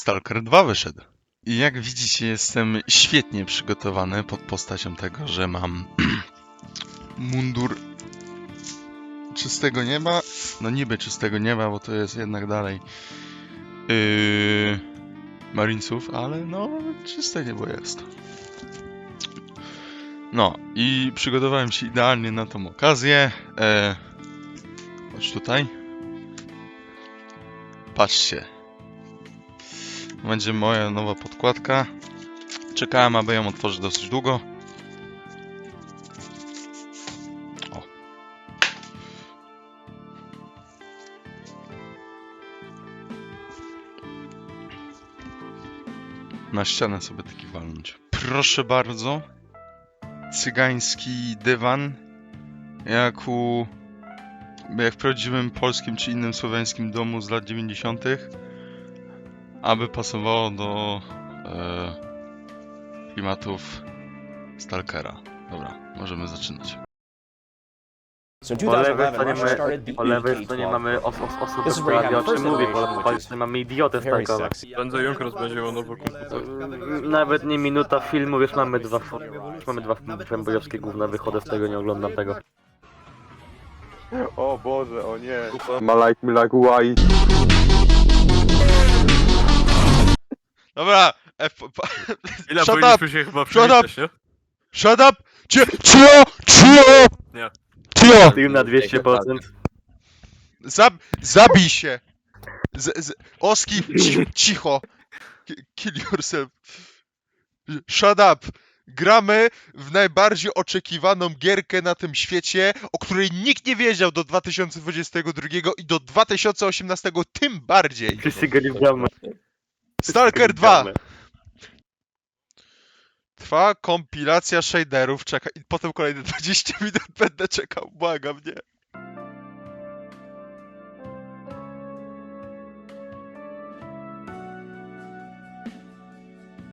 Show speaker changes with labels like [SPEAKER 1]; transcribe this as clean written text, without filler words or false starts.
[SPEAKER 1] Stalker 2 wyszedł. I jak widzicie, jestem świetnie przygotowany pod postacią tego, że mam mundur czystego nieba. No niby czystego nieba, bo to jest jednak dalej Marinesów, ale no czyste niebo jest. No i przygotowałem się idealnie na tą okazję. Chodź tutaj. Patrzcie. Będzie moja nowa podkładka. Czekałem, aby ją otworzyć dosyć długo. O. Na ścianę sobie taki walnąć. Proszę bardzo. Cygański dywan. Jak w prawdziwym polskim czy innym słowiańskim domu z lat 90. Aby pasowało do klimatów Stalkera. Dobra, możemy zaczynać.
[SPEAKER 2] So in
[SPEAKER 3] Po lewej
[SPEAKER 2] 2011, Rush started the
[SPEAKER 3] stronie mamy osobę,
[SPEAKER 2] This is
[SPEAKER 3] która
[SPEAKER 2] where you
[SPEAKER 3] wie o
[SPEAKER 2] have
[SPEAKER 3] czym
[SPEAKER 2] first
[SPEAKER 3] mówi,
[SPEAKER 2] iteration,
[SPEAKER 3] po
[SPEAKER 2] which
[SPEAKER 3] lewej
[SPEAKER 2] is
[SPEAKER 3] stronie mamy idiotę
[SPEAKER 2] very
[SPEAKER 3] stankowe.
[SPEAKER 2] sexy.
[SPEAKER 4] Prędzej Junkers będzie miał nowy komputer.
[SPEAKER 3] Nawet nie minuta filmu, już mamy dwa fanboyowskie gówna, wychodzę z tego, nie oglądam tego.
[SPEAKER 5] O Boże, o nie. Ma like me like white.
[SPEAKER 1] Dobra!
[SPEAKER 4] Ile
[SPEAKER 1] Shut
[SPEAKER 4] powinniśmy się chyba
[SPEAKER 1] Shut
[SPEAKER 4] przywitać, nie?
[SPEAKER 1] Shut up! Cio!
[SPEAKER 4] Nie.
[SPEAKER 1] Cio!
[SPEAKER 3] Film na 200%.
[SPEAKER 1] Zabij się! Oski, cicho! Kill yourself. Shut up! Gramy w najbardziej oczekiwaną gierkę na tym świecie, o której nikt nie wiedział do 2022 i do 2018 tym bardziej.
[SPEAKER 3] Wszyscy gali w bramę.
[SPEAKER 1] Stalker 2! Trwa kompilacja shaderów, czeka i potem kolejne 20 minut będę czekał, błagam, nie.